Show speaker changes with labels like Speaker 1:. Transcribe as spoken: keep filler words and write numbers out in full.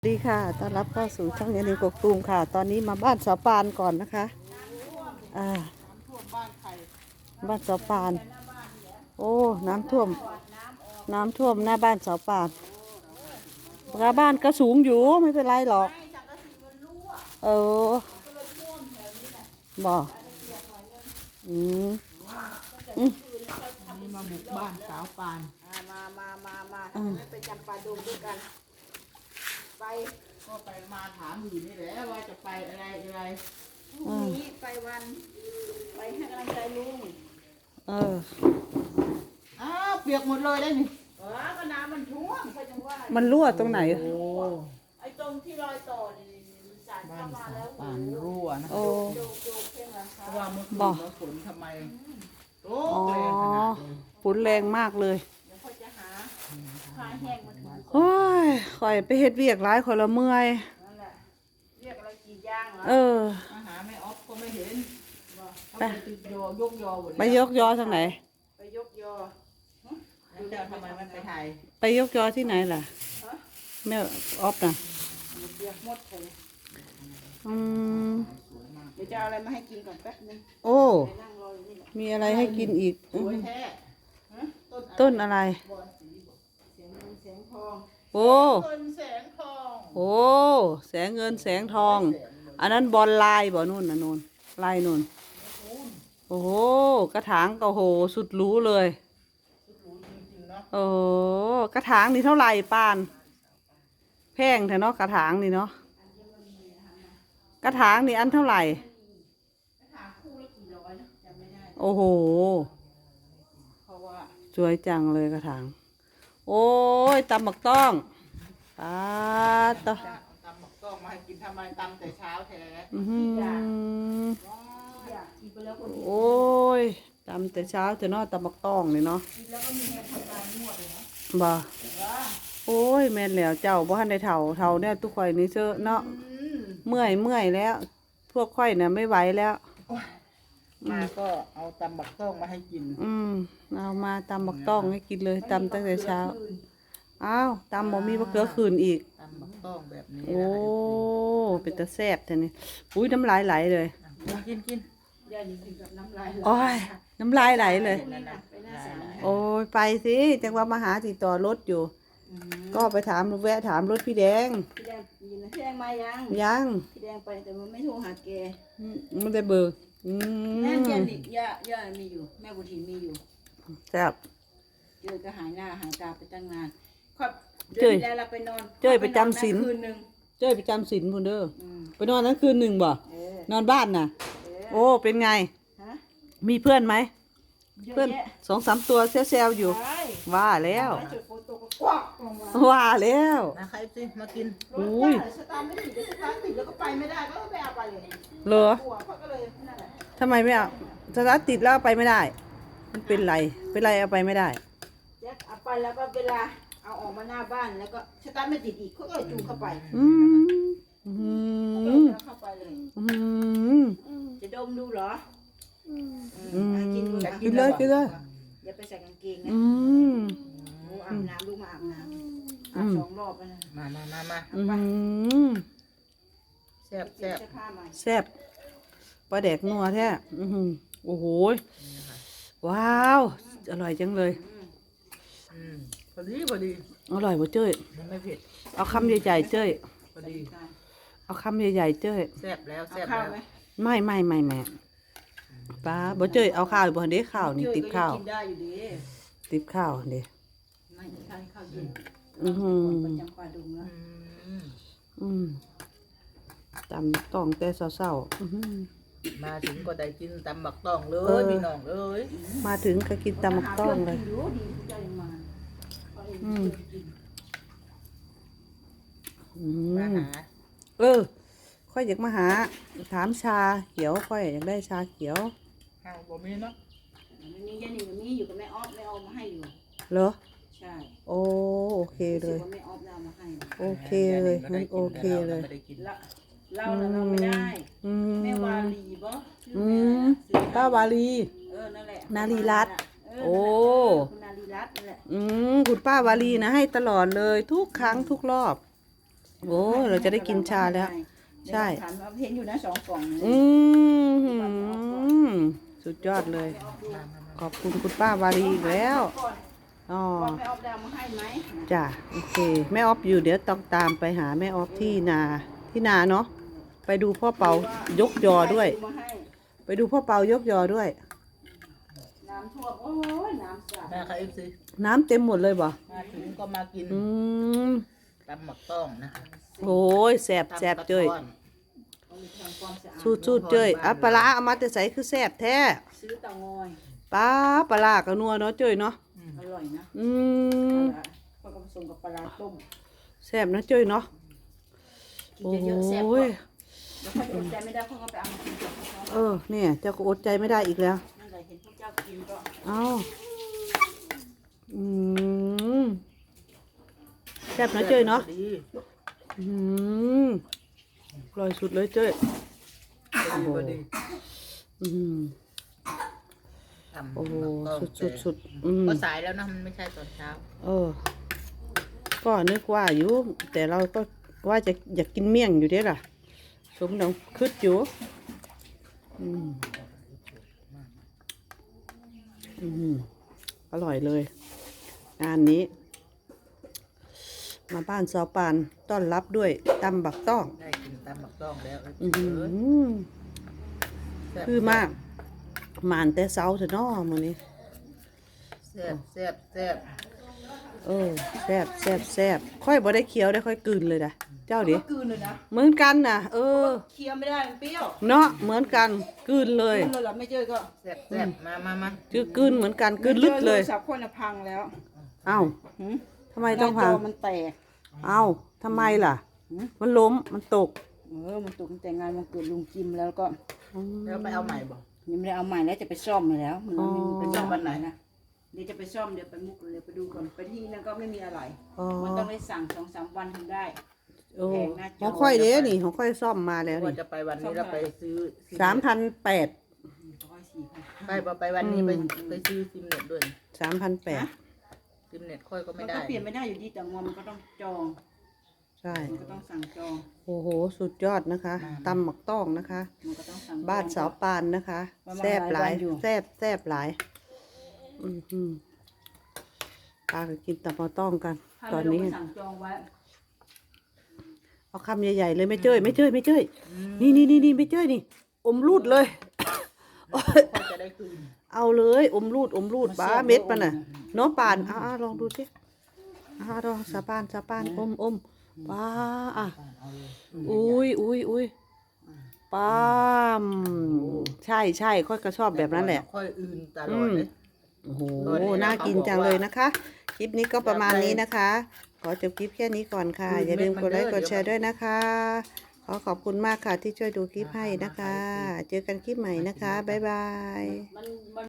Speaker 1: สวัสดีค่ะต้อนรับเข้าสู่ช่องเยนิวกกตูมค่ะ ตอนนี้มาบ้านสาวปานก่อนนะคะ อ่า บ้านสาวปาน โอ้ น้ำท่วม น้ำท่วมหน้าบ้านสาวปานหน้าบ้านก็สูงอยู่ไม่เป็นไรหรอก เออบอกอืมอืม
Speaker 2: นี่มาบุกบ้านสาวปาน
Speaker 3: มามามามาทำไมไม่ไปจำปาดงด้วยกัน ไป
Speaker 2: ก็ไปมาถามอยู่นี่แหละว่าจะไปอะไรอะไร
Speaker 3: พรุ่งนี้ไปวัน ไปให้กำลังใจลุง
Speaker 1: เออ
Speaker 2: อ้าวเปียกหมดเลยได้นี่
Speaker 3: เออก็น้ำมันท่วมเขาจังว่า
Speaker 1: มันรั่วตรงไหน
Speaker 2: โอ้
Speaker 3: ไอ้ตรงที่รอยต่อนี่มันสาด
Speaker 2: บ้า
Speaker 3: เข้าน มา
Speaker 2: สา
Speaker 3: แล้ว ว
Speaker 2: ปานรั่วนะ
Speaker 1: โอ้
Speaker 3: โยกโยกเพ่งหลัง
Speaker 2: เพ
Speaker 3: คา
Speaker 2: ราะว่าเมื่อคืน
Speaker 1: บอก
Speaker 2: เราฝนทำไมโอ้
Speaker 1: อ๋อ
Speaker 2: แรงขนาดนี้
Speaker 1: ฝนแรงมากเลย
Speaker 3: เดี๋ยวเขาจะหาผ้าแห้งมาถู
Speaker 1: โอ้ยข่อยไปเฮ็ดเวียกร้ายข่อยละเมื่อย
Speaker 3: นั่นแหละเรียกอะไรกี่ย่างเหรอ
Speaker 1: เออ
Speaker 2: มาหาแม่ออฟก็ไม่เห็น
Speaker 3: บอก
Speaker 2: เขาไปติดยอยกยอหมด
Speaker 1: ไปยกยอทางไหน
Speaker 3: ไปยกยอ
Speaker 2: แล้วเจ้าทำไมมันไปถ่าย
Speaker 1: ไปยกยอที่ไหนล่ะ
Speaker 3: ฮะ
Speaker 1: แม่ออฟน่ะ
Speaker 3: เปียกหมดเลย
Speaker 1: อืม
Speaker 3: เดี๋ยวจะเอาอะไรมาให้กินก่อนแป๊บนึง
Speaker 1: โอ้
Speaker 3: ไปนั่งรออยู่นี่แหละ
Speaker 1: มีอะไรให้กินอีก
Speaker 2: สวยแท้ฮะต้น
Speaker 1: ต้นอะไร
Speaker 2: บอนสีบอก
Speaker 3: เสียงเงินเสียงทอง
Speaker 1: โอ้
Speaker 2: ต้นแสงทอง
Speaker 1: โอ้แสงเงินแสงทอง อันนั้นบอลลายบ่นู่นนะนู่นลายนู่น โอ้โห กระถางก็โห สุดหรู้เลย
Speaker 2: สุดหรูจริงๆเนาะ
Speaker 1: โอ้โหกระถางนี่เท่าไหร่ปาน แพงแท้เนาะกระถางนี่เนาะ กระถางนี่อันเท่าไหร่
Speaker 3: ถามคู่ละกี่ร้อยนะจำไม่ได้
Speaker 1: โอ้โห
Speaker 3: เพราะว่า
Speaker 1: สวยจังเลยกระถาง โอ้ยตำบักต้องปาดต่อ
Speaker 2: จะเอาตำหมกต้องมาให้กินทำไมตำแต่เช้าแท้
Speaker 1: อื้อหือ
Speaker 3: อยากกินไปแล้วคนเดียว
Speaker 1: โอ้ยตำแต่เช้าแต่เนอตำบักต้องนี่เนาะ
Speaker 3: กินแล้วก็มีแรงทำงานนวดเลยนะ
Speaker 1: บ่
Speaker 3: ว่า
Speaker 1: โอ้ยแม่นแล้วเจ้าบ่ทันได้เฒ่าเฒ่าเนี่ยทุกข่อยนี่เจ้อเนาะ
Speaker 3: อืม
Speaker 1: เมื่อยเมื่อยแล้ว พวกข่อยน่ะไม่ไหวแล้ว
Speaker 2: มาก็เอาตำบักต้องมาให้กิน
Speaker 1: อืมเอามาตำบักต้องให้กินเลยตำตั้งแต่เช้า อ้าวตำบ่มีมะเขือคืนอีก
Speaker 2: ตำบักต้องแบบนี้
Speaker 1: โอ้เป็นตาแซ่บแท้นี่อุ้ยน้ำลายไหลเลย
Speaker 2: นะกินกิน
Speaker 3: อย่ากินกับน้ำลาย
Speaker 1: โอ้ยน้ำลายไหลเลย
Speaker 3: พรุ่งนี้นะไปหน้าศาล
Speaker 1: โอ้ยไปสิจังว่ามาหาติดต่อรถอยู่
Speaker 3: อืม
Speaker 1: ก็ไปถามแวะถามรถพี่แดง
Speaker 3: พี่แดงยินนะพี่แดงมายัง
Speaker 1: ยัง
Speaker 3: พี่แดงไปแต่มันไม่โทรหาแก
Speaker 1: มันได้เบิกอื
Speaker 3: แม่
Speaker 1: ม
Speaker 3: เจนิย่าย่ามีอยู่ แม่บุตรีมีอยู่
Speaker 1: แซ่บ
Speaker 3: เจอก็หายหน้าหายตาไปตั้งนานครับเดื
Speaker 1: เจ้
Speaker 3: อน
Speaker 1: ย
Speaker 3: ที่แล้วเราไปนอน
Speaker 1: เจ้ยไปจำศีล
Speaker 3: คืนหนึ่ง
Speaker 1: เจ้ยไปจำศีลพุ่นเด้อ
Speaker 3: อืม
Speaker 1: ไปนอนนั้นคืนหนึ่งบ่
Speaker 3: เออน
Speaker 1: อนบ้านน่ะ
Speaker 3: เออ
Speaker 1: โอ้เป็นไง
Speaker 3: ฮะ
Speaker 1: มีเพื่อนไหม
Speaker 3: เยอะ
Speaker 1: เพื่อน
Speaker 3: แยะ
Speaker 1: สองสามตัวแซวๆอยู่
Speaker 3: ใช่
Speaker 1: ว่าแล้ว
Speaker 3: จุดโฟโต้ก็กวักลงมา
Speaker 1: ว่าแล้ว
Speaker 2: นะใครสิมากิน
Speaker 3: รถ
Speaker 1: อุ้ย
Speaker 3: จ้าสตาร์ทไม่ติดเดี๋ยวสตาร์ทติดแล้วก็ไปไม่ได้ก็ไม่เอาไปเลย
Speaker 1: เหรอ
Speaker 3: กลัวเขาก็เลยนั่นแหละ
Speaker 1: ทำไมไม่เอาสตาร์ทติดแล้วเอาไปไม่ได้ มันเป็นไรเป็นไรเอาไปไม่ได้
Speaker 3: แจ็คเอาไปแล้วก็เวลาเอาออกมาหน้าบ้านแล้วก็สตาร์ทไม่ติดอีกเขาก็เลยจูงเข้าไป
Speaker 1: อืมอื
Speaker 3: ก็
Speaker 1: ม
Speaker 3: เลยเข้าไปเลย
Speaker 1: อืม
Speaker 3: จะดมดูเหรออืม
Speaker 1: อืม
Speaker 3: อ่ะกินดู
Speaker 1: กินเลยกินเลย
Speaker 3: อย่าไปใส่กางเกงนะ
Speaker 1: อืม
Speaker 3: โอ้อาบน้ำลูกมาอาบน้ำอาบสองรอบแล้วนะ
Speaker 2: มามามามา
Speaker 1: อืม
Speaker 2: แซ่บ
Speaker 3: เปลี่
Speaker 2: แซ่
Speaker 3: ยน
Speaker 2: บ
Speaker 3: เสื้อผ้าใหม่
Speaker 1: แซ่บปลาแดกนัวแท้อือหือโอ้โหว้าว อร่อยจังเลย
Speaker 2: อืมพอดีพอดี
Speaker 1: อร่อยบ่เจ้ย
Speaker 2: มันไม่เผ็ด
Speaker 1: เอาคำใหญ่ๆเจ้ย
Speaker 2: พอดี
Speaker 1: เอาคำใหญ่ๆเจ้ย
Speaker 2: แซ่บแล้ว
Speaker 3: เอา
Speaker 2: แซ่บ
Speaker 3: ข้าว
Speaker 2: แล้ว
Speaker 3: ไหม
Speaker 1: ไม่ไม่ไม่แม่ป้าบ่เจ้ยเอาข้าวอยู่บ่เด้ข้าวนี่ติบข้าว
Speaker 3: กินได้อยู่ดี
Speaker 1: ติบข้าวเด้
Speaker 3: ไม่ข้าวข้าวเย็น
Speaker 1: อือหือ
Speaker 3: ประจำปลาดุงแล้ว
Speaker 2: อืม
Speaker 1: อืมตำต้องแต่เช้าๆอื้อหือ
Speaker 2: มาถึงก็ได้กินตำบักต้องเล
Speaker 1: เอย อ
Speaker 2: พี่น้องเอ้ย
Speaker 1: มาถึงก็กินตำมักต้องเลย
Speaker 3: หาพื่นกินรู้ดีผู้ใจมาเขาเอง
Speaker 1: อืม
Speaker 3: กิน
Speaker 1: อื
Speaker 2: มาม หา
Speaker 1: เออ ค่อยอยากมาหา ถามชาเขียวค่อยอยากได้ชาเขียว
Speaker 2: ข้าวบ่มีเนาะ
Speaker 3: มันมีแค่นี้มันมีอยู่กับแม่ออฟแม่ออฟมาให้อยู่
Speaker 1: เหรอ
Speaker 3: ใช่
Speaker 1: โอ้โอเคเลย
Speaker 3: รู้สึกว่าแม่ออฟเอามาให้
Speaker 1: โอเคเลยงั้นโอเคเลย
Speaker 2: ไม่ได้กิน
Speaker 3: ละเราน่ะเราไม่ได้
Speaker 1: อืม
Speaker 3: แม่วาลีบ่ชื่อ
Speaker 1: อื
Speaker 3: แม่
Speaker 1: ม
Speaker 3: น่ะชื่อ
Speaker 1: ป้าวาลี
Speaker 3: เออนั่นแหละ
Speaker 1: นารีรัตน์
Speaker 3: เออ
Speaker 1: โอ้
Speaker 3: คุณนารีรัตน์นั่นแหละ
Speaker 1: อืมคุณป้าวาลีนะให้ตลอดเลย ทุกครั้งทุกรอบโอ้เราจะได้กินชาแล้ว ใช่
Speaker 3: ถามว่าเห็นอยู่นะสองกล่องนะ
Speaker 1: อืมสุดยอดเลย ขอบคุณคุณป้าวารีอีกแล้วอ๋อ
Speaker 3: ก่อนไม่เอาดาวมาให้ไหม
Speaker 1: จ้ะโอเคแม่ออฟอยู่เดี๋ยวต้องตามไปหาแม่ออฟที่นาที่นาเนาะไปดูพ่อเปายกยอด้วย
Speaker 3: มาให้
Speaker 1: ไปดูพ่อเปายกยอด้วย
Speaker 3: น้ำท่วมโอ้ยน้ำสาด
Speaker 2: แม่ค่ะเอฟซี
Speaker 1: น้ำเต็มหมดเลยบ่
Speaker 2: มาถึงก็มากิน
Speaker 1: อืม
Speaker 2: ตำหมักต้องนะคะ
Speaker 1: โอ้ยแสบแสบเจ้ย
Speaker 2: ตำกระท้อน
Speaker 3: เอาไปทำความสะอาด
Speaker 1: สูดสูดเจ้ยอ่ะปลาร้าเอามาแต่ใส่คือแสบแท้
Speaker 3: ซื้อเตางอย
Speaker 1: ปลาปลาร้ากับนัวเนาะเจ้ยเนาะ
Speaker 3: อร่อยนะ
Speaker 1: อืม
Speaker 3: ปลาก็ผสมกับปลาร้าต้ม
Speaker 1: แสบนะเจ้ยเนาะ
Speaker 3: กิน
Speaker 1: โอ้
Speaker 3: เยอะๆแซ่บ
Speaker 1: ย
Speaker 3: กว่าแล้วเขาจะอดใจไม่ได้เขาก็ไปเอามากินกับเขา
Speaker 1: เออเนี่ยเจ้าก็อดใจไม่ได้อีกแล้ว
Speaker 3: นั่นแหละเห็นพวกเจ้ากินก็
Speaker 1: เอาอืมแซ่บนะเจ้ยเนาะ
Speaker 2: ดี
Speaker 1: อืมอร่อยสุดเลยเจ้ย
Speaker 2: พอดีพอดี
Speaker 1: อืม
Speaker 2: ทำ
Speaker 1: โอ้โห
Speaker 2: หมักต้อง
Speaker 1: สุดสุดสุดอืม
Speaker 2: ก็สายแล้วนะมันไม่ใช่ตอนเช้า
Speaker 1: เออ ก็นึกว่าอยู่ แต่เราก็ว่าจะอยากกินเมี่ยงอยู่เด้ล่ะ สมดังคืดอยู่ อืม อืม อร่อยเลย งานนี้ มาบ้านสาวปานต้อนรับด้วยตำบักต้อง
Speaker 2: ได้กินตำหมักต้องแล้ว
Speaker 1: อือหือ
Speaker 2: แซ่บ
Speaker 1: คือมากหมานแต่เช้าเถอะเนาะมื้อนี้
Speaker 2: แซ่บแซ่บแซ่บ
Speaker 1: เออแซ่บแซ่บแซ่บค่อยบ่ได้เคี้ยวได้ค่อยกลืนเลยนะเจ้าดิ
Speaker 3: ก็กลืนเลยนะ
Speaker 1: เหมือนกันน่ะ เออ
Speaker 3: เคี้ยวไม่ได้มันเปรี้ยว
Speaker 1: เนาะเหมือนกันกลืนเลย
Speaker 3: กลืนเลยเหรอไม่เจอก็
Speaker 2: แซ่บแซ่บมามามา
Speaker 1: จือกลืนเหมือนกันกลืนลึกเลย
Speaker 3: สับคนน่ะพังแล้ว
Speaker 1: เอ้า
Speaker 3: หืม
Speaker 1: ทำไมต้องพัง
Speaker 3: หน้าจมันแตก
Speaker 1: เอ้าทำไมล่ะ
Speaker 3: หืม
Speaker 1: มันล้มมันตก
Speaker 3: เออมันตกตั้งแต่งานมันเกิดลุงจิมแล้วก็
Speaker 2: แล้วไปเอาใหม่บอก
Speaker 3: ยังไม่ได้เอาใหม่แล้วจะไปซ่อมมาแล้วมันไม่มี
Speaker 2: ไปซ่อมวันไหน
Speaker 3: นะเดี๋ยวจะไปซ่อมเดี๋ยวไปมุกเดี๋ยวไปดูก่อนไปที่นั่นก็ไม่มีอะไร
Speaker 1: อ๋อ
Speaker 3: มันต้องได้สั่งสองสามวันถึงได้
Speaker 1: โอ้ของค่อยเด้นี่ของค่อยซ่อมมาแล้ว
Speaker 2: ว่า
Speaker 1: นี่
Speaker 2: จะไปวันนี้เราไปซื้อ
Speaker 1: สามพันแปด
Speaker 3: ร้อยสี่พัน
Speaker 2: ไปพอไปวันนี้ไปไปซื้อซิมเน็ตด้วย
Speaker 1: สามพันแปด
Speaker 2: ซิมเน็ตค่อยก็
Speaker 3: มั
Speaker 2: ไม่
Speaker 3: น
Speaker 2: ได้
Speaker 3: ก็เปลี่ยนไม่ได้อยู่ดีแต่งอมันก็ต้องจอง
Speaker 1: ใช่
Speaker 3: มันก็ต้องสั่งจอง
Speaker 1: โอ้โหสุดยอดนะคะตำหมักต้องนะคะ
Speaker 3: มันก็ต้องสั่งจอง
Speaker 1: บ้านสาวปานนะคะ
Speaker 3: ประมาณ
Speaker 1: แซบหลาย
Speaker 3: หลายวันอยู่
Speaker 1: แซบแซบหลาย อืมอืมปาก็กินตำมะต้องกัน
Speaker 3: ถ้า
Speaker 1: ตอ
Speaker 3: ไม่
Speaker 1: น
Speaker 3: ลง
Speaker 1: นี้
Speaker 3: ไปสั่งจองไว้
Speaker 1: เอาคำใหญ่ๆเลยไม่เจ้ยไม่เจ้ยไม่เจ้ยนี่นี่นี่นี่ไม่เจ้ยนี่ อมรูดเลย
Speaker 2: ค่อยจะได้คืน
Speaker 1: เอาเลย อมรูดอมรูดบ้าเม็ดปะน่ะเน้องปานอ่าลองดูสิอ่าลองสาปานสาปานอมอมป้าอ่ะ
Speaker 2: เอาเลย
Speaker 1: อุ้ยอุ้ยอุ้ยป้ามใช่ใช่ค่อยก็ชอบแบบนั้นแหละ
Speaker 2: ค่อยอื่นตลอดเลย
Speaker 1: โอ้โห
Speaker 2: ตอนนี้นะ
Speaker 1: น่ากิน
Speaker 2: เขาบอก
Speaker 1: จังเลยนะคะ คลิปนี้ก็ประมาณ
Speaker 2: อยากไป
Speaker 1: นี้นะคะ ขอจบคลิปแค่นี้ก่อนค่ะ
Speaker 2: อืม
Speaker 1: อย่าลืม
Speaker 2: เม็
Speaker 1: ก
Speaker 2: ด
Speaker 1: ด
Speaker 2: มัน
Speaker 1: ไลค์
Speaker 2: เด้
Speaker 1: ก
Speaker 2: อ
Speaker 1: ดแชร์
Speaker 2: เดี๋ยว
Speaker 1: ด้วยนะคะ ขอขอบคุณมากค่ะที่ช่วยดูคลิปให้นะคะ เจอกันคลิปใหม่นะคะ บ๊ายบาย
Speaker 3: มันมัน